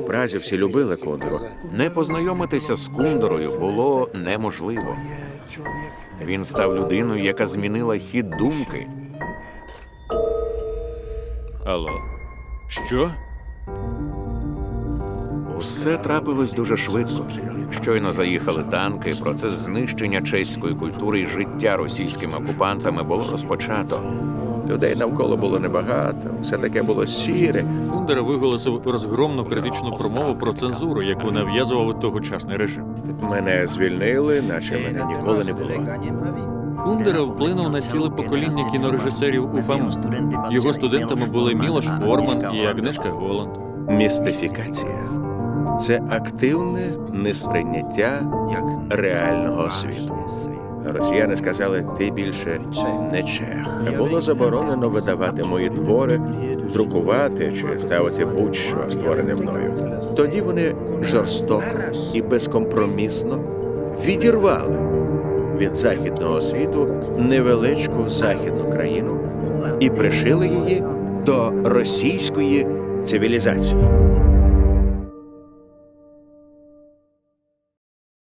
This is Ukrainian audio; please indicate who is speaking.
Speaker 1: в Празі всі любили Кундеру.
Speaker 2: Не познайомитися з Кундерою було неможливо. Він став людиною, яка змінила хід думки.
Speaker 3: Алло. Що?
Speaker 2: Усе трапилось дуже швидко. Щойно заїхали танки, процес знищення чеської культури і життя російськими окупантами було розпочато.
Speaker 1: Людей навколо було небагато, все таке було сіре.
Speaker 3: Кундера виголосив розгромну критичну промову про цензуру, яку нав'язував тогочасний режим.
Speaker 1: Мене звільнили, наче мене ніколи не було.
Speaker 3: Кундера вплинув на ціле покоління кінорежисерів УФАМ. Його студентами були Мілош Форман і Агнешка Голланд.
Speaker 1: Містифікація – це активне несприйняття реального світу. Росіяни сказали, ти більше не чех. Було заборонено видавати мої твори, друкувати чи ставити будь-що створене мною. Тоді вони жорстоко і безкомпромісно відірвали від західного світу невеличку західну країну і пришили її до російської цивілізації.